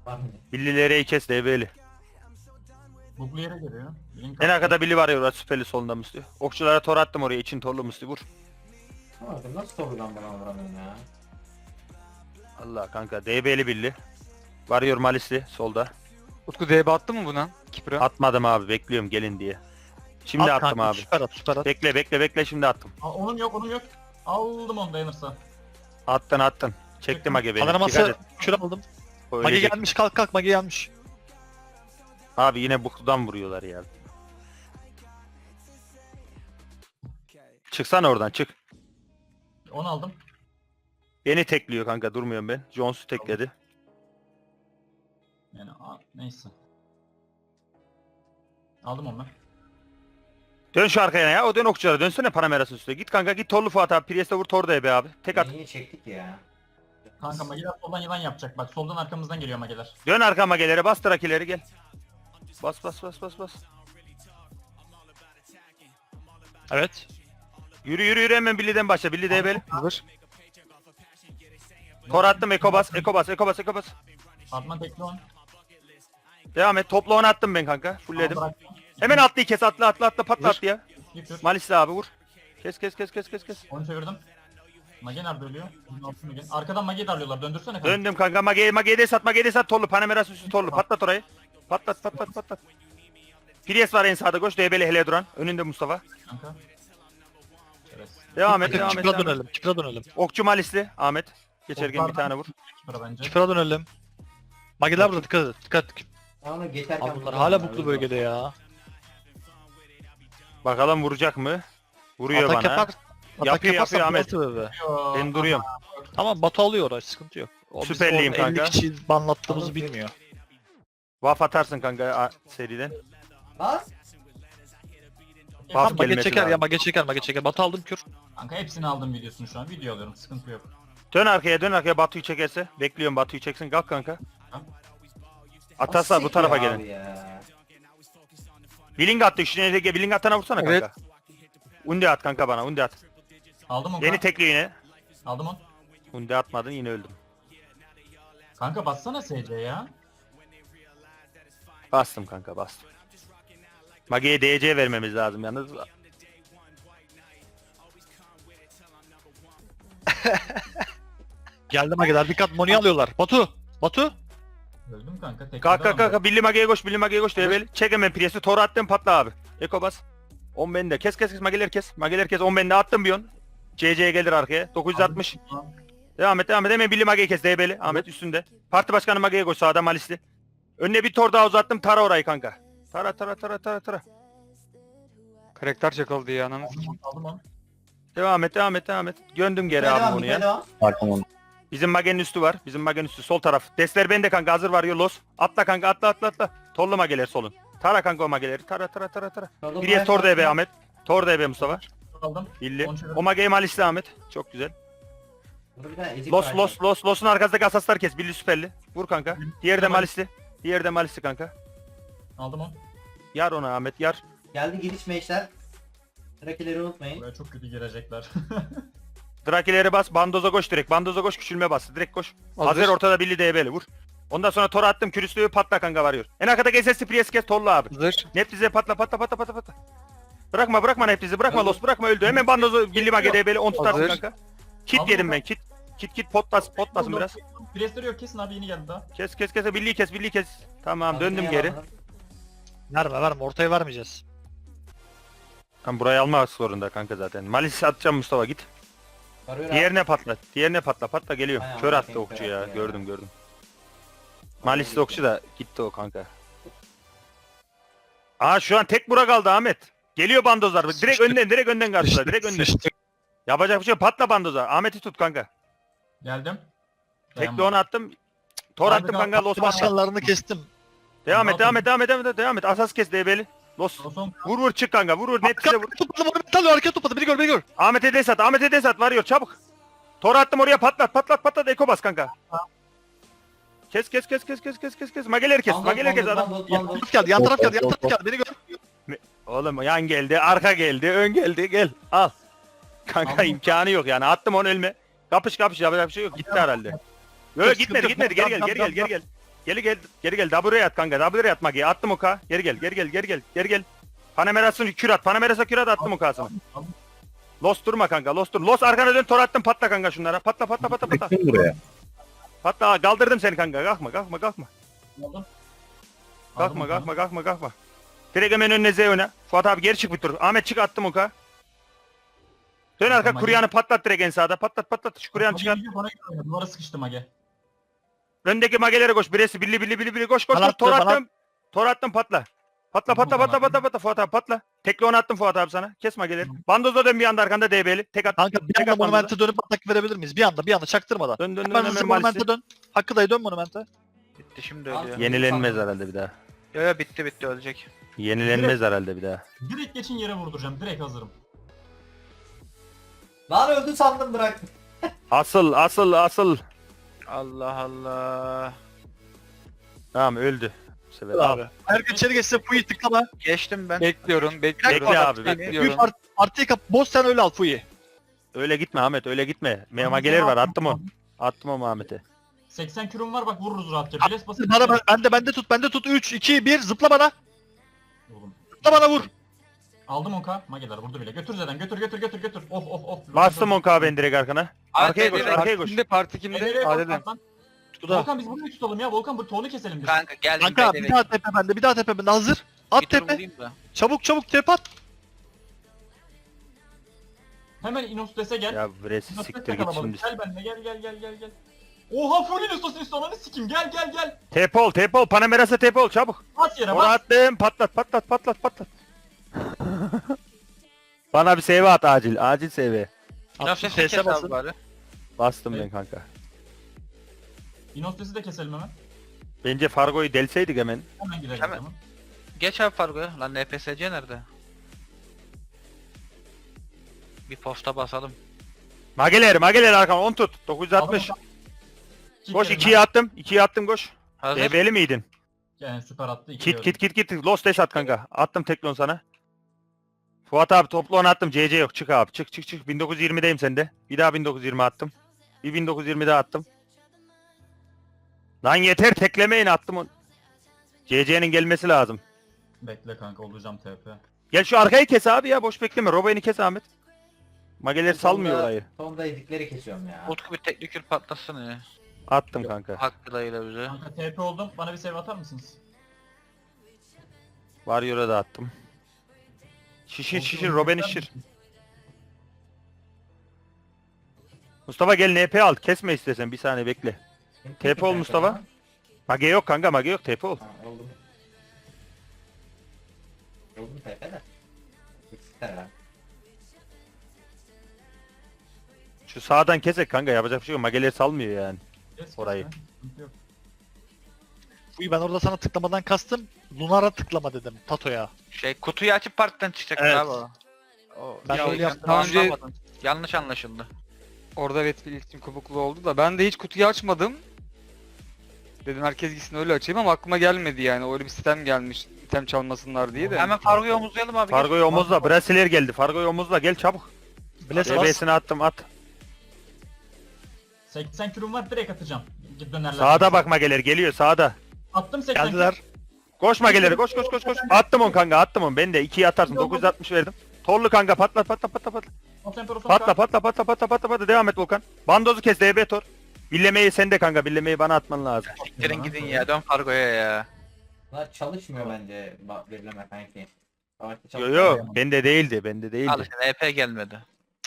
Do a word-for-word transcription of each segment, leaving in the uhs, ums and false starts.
Var mı? Billileri kes D B'li. Buglu yere geliyor. Link En arkada Billy var ya orada süperli solunda Musti. Okçulara tor attım oraya için torlu Musti vur. Ama nasıl sorudan bana vuramıyorum ya? Allah kanka D B'li Billy. Varıyor Malisli solda. Utku D B attı mı buna? Kipra. Atmadım abi bekliyorum gelin diye. Şimdi At attım kanka, abi. Süper at süper at. Bekle bekle bekle şimdi attım. Aa, onun yok onun yok. Aldım onu dayanırsa. Attın attın. Çektim Age beni. Dikkat Panoraması et. kür aldım. O Mage ölecek. gelmiş, kalk kalk Mage gelmiş. Abi yine bukludan vuruyorlar ya. Çıksana oradan çık. Onu aldım. Beni tekliyor kanka durmuyorum ben. Jones'u tekledi. Yani a, neyse. Aldım onu ben. Dön şu arkaya ya. O dön okçulara. Dönsene Panameras'ın üstüne. Git kanka git Torlu Fuat abi. Priest'e vur Tor da be abi. Tek at. Niye çektik ya? Kanka mageler soldan yılan yapacak. Bak soldan arkamızdan geliyor mageler. Dön arka magelere bas trakileri gel. Bas bas bas bas bas. Evet. Yürü yürü yürü hemen Billy'den başla. Billy D B'li. Hazır. Tor attım Eko bas. Eko bas. Eko bas. Eko bas. Atman tekli on. Devam et. Topla onu attım ben kanka. Fullledim. Al, bırak. Hemen atlıyı kes. Atla atla atla patla Vur. at ya. Bir tür. Malisli abi vur. Kes kes kes kes kes kes. Onu çevirdim. Mage nerede ölüyor? Bunun altı Mage. Arkadan Mage'yi darlıyorlar. Döndürsene kanka. Döndüm kanka. Mage'ye Mage'ye de sat. Mage'ye de sat. Torlu. Panameras üstü Torlu. Patlat orayı. Patlat patlat patlat. Priest var en sağda koş. D B'li hele duran. Önünde Mustafa. Kanka. Evet. Devam et devam et. Kipra Devam et. dönelim, Kipra dönelim. Okçu Malisli. Ahmet. Geçerken bir tane vur. Kipra bence. Kipra dönelim. Mageler burada, dikkat et, dikkat et. Ama geçerken... Abi bunlar hala buklu bölgede ya. Bakalım vuracak mı? Vuruyor Atak bana. yapar. Atak Yapıyor, yaparsa yapıyor Ahmet. Be. Ben duruyorum. Tamam Batu alıyor orayı, sıkıntı yok. O bizim Süperliyim orada kanka. elli kişi banlattığımızı bilmiyor. Vaf atarsın kanka a- seriden. Bas. Buff Tamam Mage gelmesi çeker ya, lazım. Mage çeker, Mage çeker. Batu aldım kür. Kanka hepsini aldım videosunu şu an. Video alıyorum. Sıkıntı yok. Dön arkaya dön arkaya Batu'yu çekerse. Bekliyorum Batu'yu çeksin kalk kanka. Atarsa bu tarafa gelin. Ya. Billing attı şu Ege Billing atana vursana Evet. kanka. Undi at kanka bana Undi at. Aldım onu. Beni tekli yine. Aldım onu. Undi atmadın yine öldüm. Kanka bassana S C ya. Bastım kanka bastım. Mage'ye D C vermemiz lazım yalnız. Geldi Mageler, dikkat Moni alıyorlar. Batu! Batu! Öldüm kanka. Tek Kalk kalk kalk Billy Mage'ye koş Billy Mage'ye koş Debeli. Çek hemen Priest'i Tor attım patla abi. Eko bas. on bende kes kes kes Mage'ler kes. Mage'ler kes on bende attım bir on. C C'ye gelir arkaya. dokuz yüz altmış. Devam et devam et hemen Billy Mage'yi kes Debeli. Ahmet üstünde. Parti başkanı Mage'ye koş sağda Malisli. Önüne bir tor daha uzattım tara orayı kanka. Tara tara tara tara tara. Karakter çakıldı ya ananı sikeyim. Aldım onu. Devam et devam et devam et. Göndüm geri Devam, abi bunu ya. devam. Bizim Mage'nin üstü var. Bizim Mage'nin üstü sol taraf. Desler bende kanka hazır var Los. Atla kanka atla atla atla. Torlu Mage'ler solun. Tara kanka o Mage'leri. Tara tara tara tara. Solda Priest Tor D B Ahmet. Tor D B Mustafa. Aldım. Billi. On çevir. O Mage'yi Malisli Ahmet. Çok güzel. Burada bir tane ezik Los var. los los los'un arkasındaki asaslar kes. Billi süperli. Vur kanka. Diğeri de Tamam. Malisli. Diğeri de Malisli kanka. Aldım onu. Yar ona Ahmet yar. Geldi giriş meşler. Rakileri unutmayın. Buraya çok kötü girecekler. Drakileri bas. Bandoza koş direkt. Bandoza koş küçülme bas. Direkt koş. Hazır. Hazır ortada Billi D B'li vur. Ondan sonra Tor attım. Kürüslüğü patla kanka varıyor. En arkada G S S Priest kes Torlu abi. Hazır. Neptize patla patla patla patla patla. Bırakma bırakma Neptizi bırakma Los bırakma öldü. Hemen bandozu Billy Mage D B'li on tutarsın Hazır. kanka. Kit Aldım yedim ben. ben kit. Kit kit potlas potlasın biraz. Priestleri yok kesin abi yeni geldi daha. Kes kes kes Billy'yi kes Billy'yi kes. Tamam Hazır döndüm ya, geri. hazır. Verme verme, ortaya vermeyeceğiz. Tam burayı almak zorunda kanka zaten. Malis atacağım Mustafa git. Varıyor abi. Diğerine patla. Diğerine patla patla geliyor. Aynen, Kör attı bakayım, okçu kör ya. attı ya. Gördüm gördüm. Malisli okçu da gitti o kanka. Aa şu an tek bura kaldı Ahmet. Geliyor bandozlar. Direkt Sıçtık. önden direkt önden karşıla. Direkt önden. Sıçtık. Yapacak bir şey yok. Patla bandoza. Ahmet'i tut kanka. Geldim. Tekli onu attım. Tor Abi attım kanka, kanka. Los patla. Başkanlarını kestim. Devam et Ne devam et devam et devam et. Devam et. Asas kes D B'li. Los. Son Vur vur çık kanka. Vur vur. Net size vur. Arkaya topladım, onu metal arkaya topladım. Beni gör, beni gör. Ahmet'e des at. Ahmet'e des at. Varıyor çabuk. Tor attım oraya patlat patlat patlat. Eko bas kanka. Kes kes kes kes kes kes kes kes. Mageleri kes. Bandol, Mageleri kes bandol, adam. bandol, Yan bandol. taraf geldi, yan taraf geldi, yan taraf geldi. Beni gör. Oğlum yan geldi, arka geldi, ön geldi. Gel. Al. Kanka Aldım. imkanı yok yani. Attım onu elime. Kapış kapış yapacak bir şey yok. Gitti herhalde. Yok Sıkıntı gitmedi yok. gitmedi. Geri gel Tamam, geri gel tamam, geri gel. Geri gel. Geri gel. W'ye at kanka. W'ye at Magi'ye. Attım oka. Geri gel. Geri gel. Geri gel. Geri gel. Panameras'ın kür at. Panameras'a kür at. Attım okasını. Los durma kanka. Los dur. Los arkana dön. Tor attım. Patla kanka şunlara. Patla patla patla patla. Çektim buraya. Patla. Kaldırdım seni kanka. Kalkma kalkma kalkma. Aldım. Kalkma Aldım kalkma kalkma kalkma. Direkt hemen önüne Z öne. Fuat abi geri çık bir tur. Ahmet çık attım oka. Dön arka Tamam, kuryanı patlat direkt en sağda. Patlat patlat. Şu kuryanı Mage çıkar. gidiyor, bana gidiyor. Duvara sıkıştı Mage. Öndeki magelere koş. Birisi billi billi billi billi koş koş. Bana koş. attı, Tor bana attım. Tor attım patla. Patla patla Tamam, patla tamam. patla patla Fuat abi patla. Tekli onu attım Fuat abi sana. Kes mageleri. Bandozla dön bir anda arkanda D B'li. Tek at. Kanka bir tek anda at bandoza. monumente dönüp atak verebilir miyiz? Bir anda bir anda çaktırmadan. Dön dön dön Hemen hemen hızlı Malis'i. monumente dön. Hakkı dayı dön monumente. Bitti şimdi ölüyor. Yenilenmez herhalde bir daha. Yo yo bitti bitti ölecek. Yenilenmez herhalde bir daha. Direkt geçin yere vurduracağım. Direkt hazırım. Lan öldü sandım bıraktım. Asıl asıl asıl. Allah Allah. Tamam öldü. Bu sefer Abi. abi. Herkes içeri geçse Fuyi tıklama. Geçtim ben. Bekle Bir abi, dakika, bir bekle. Fuyi bekliyorum. part, partiyi kap. Boz sen öyle al Fuyi. Öyle gitme Ahmet öyle gitme. Me mageler var attım onu. Attım o Ahmet'e. seksen kürüm var bak vururuz rahatça. Biles basıp. Bana ben, bende bende tut bende tut. üç iki bir zıpla bana. Oğlum. Zıpla bana vur. Aldım onka. Mageler vurdu bile. Götür Zeden götür götür götür götür. Of of of. Bastım on K ben direkt arkana. Arkaya koş Arkaya arkaya koş. Kimde parti kimde? Nereye Adeden. bak lan? Tuda. Volkan biz burayı tutalım ya. Volkan bu tonu keselim biz. Kanka geldim Kanka ben bir daha tepe bende bir daha tepe bende hazır. At bir tur tepe. vurayım da. Çabuk çabuk tepe at. Hemen Inostes'e gel. Ya Bresi Inostes'e siktir git kalabalık. şimdi. Gel benimle gel gel gel gel gel. Oha full Inostes'in üstüne sikim gel gel gel. Tepe ol tepe ol. Panameras'a tepe ol çabuk. At yere Onu bas. attım patlat patlat patlat patlat. Bana bir save at acil. Acil save. Şuna Attım, sesini T S kes basın. abi bari. Bastım Evet. ben kanka. Inostes'i de keselim hemen. Bence Fargo'yu delseydik hemen. Hemen gidelim Hemen. o zaman. Geç abi Fargo'ya. Lan N P S C nerede? Bir posta basalım. Mageler mageler arkama on tut. dokuz yüz altmış. Aldım İki Koş kere ikiye attım. ikiye attım koş. Hazır. D B'li miydin? Yani süper attı. iki Kit gördüm. kit kit kit. Lost dash at kanka. Attım teklon sana. Fuat abi toplu onu attım. C C yok. Çık abi. Çık çık çık. bin dokuz yüz yirmideyim sende. Bir daha bin dokuz yüz yirmi attım. Bir bin dokuz yüz yirmi daha attım. Lan yeter teklemeyin attım onu. C C'nin gelmesi lazım. Bekle kanka olacağım T P. Gel şu arkayı kes abi ya. Boş bekleme. Robo'yu kes Ahmet. Mageler salmıyor orayı. Sonunda yedikleri kesiyorum ya. Utku bir teknikür patlasın ya. Attım kanka. Hakkı dayıyla bize. Kanka T P oldum. Bana bir save atar mısınız? Warrior'a da attım. Şişir şişir. Robin şişir. Mustafa gel N P al. Kesme istesen. Bir saniye bekle. T P ol Mustafa. Mage yok kanka. Mage yok. T P ol. Ha, oldum. Oldum T P de. Eksikler ha. Şu sağdan kesek kanka. Yapacak bir şey yok. Mageleri salmıyor yani. Kes, kes Orayı. be. Sıkıntı yok. Fuyi ben orada sana tıklamadan kastım. Lunar'a tıklama dedim Tato'ya. Şey kutuyu açıp partiden çıkacak Evet. abi o. O- Ben Ya- öyle yaptım. Daha önce Anlamadın. Yanlış anlaşıldı. orada evet bir iletişim kopukluğu oldu da ben de hiç kutuyu açmadım. Dedim herkes gitsin öyle açayım ama aklıma gelmedi yani. Öyle bir sistem gelmiş. İtem çalmasınlar diye de. Hemen Fargo'yu omuzlayalım abi. Fargo'yu omuzla. Brasiler geldi. Fargo'yu omuzla. Gel çabuk. Bless D bas. B'sini attım at. seksen kürüm var direkt atacağım. Git dönerler. Sağda bak mageler geliyor sağda. Attım seksen Geldiler. Koş mageleri koş koş koş koş. Attım on kanka attım on. Ben de ikiye atarsın. dokuz yüz altmış verdim. Torlu kanka patla patla patla patla. kür. Patla patla patla patla patla patla. Devam et Volkan. Bandozu kes D B tor. Billemeyi sende kanka. Billemeyi bana atman lazım. Siktirin gidin ya dön Fargo'ya ya. Bunlar çalışmıyor bence ba- verileme kanki. Savaşta Yo çalışmıyor. yo bende değildi. Bende Al değildi. işte N P gelmedi.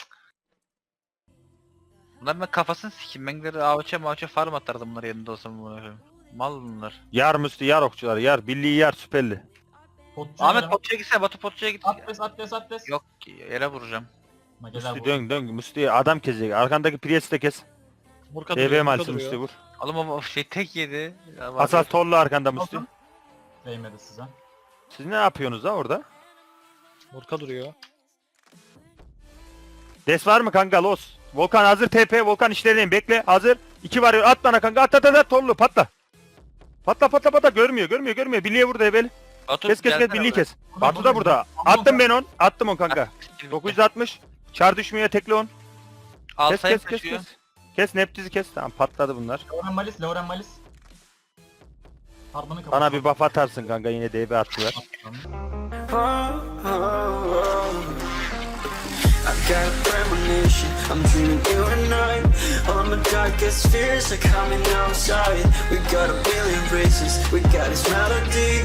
Bunlar ben kafasını sikeyim. Ben gider avuça mavuça farm atardım bunlar yerinde olsam bunu. Mal bunlar. Yar müstü yar okçular yar. Birliği yar süperli. Ahmet Potçu'ya gitsene Batu Potçu'ya git. Atles atles atles. Yok yere vuracağım. Mageler Müstü vurdu. dön dön. Müstü adam kesecek. Arkandaki Priest'i de kes. Murka D B duruyor, Murka malisi duruyor. Müstü vur. Oğlum ama o şey tek yedi. Ya var Asas ya. torlu arkanda Müstü. Volkan. Değmedi size. Siz ne yapıyorsunuz da orada? Murka duruyor. Des var mı kanka los? Volkan hazır T P. Volkan işlerindeyim. Bekle. Hazır. İki var. At bana kanka. At at at. at. Torlu patla. Patla patla patla. Görmüyor görmüyor görmüyor. Birliğe vur Ebeli. Batu, Kes kes kes. gelsene Birliği buraya. kes. Batu da burada. Attım ben on. Attım on kanka. dokuz yüz altmış. Çar düşmüyor tekli on. Al Kes sayı kes kes taşıyor. kes. Kes Neptiz'i kes. Tamam patladı bunlar. Lauren Malis, Lauren Malis. Harmanı kapat. Bana bir buff atarsın kanka, yine D B attılar. I got a premonition, I'm dreaming you and I. All my darkest fears are coming outside. We got a billion races, we got this melody.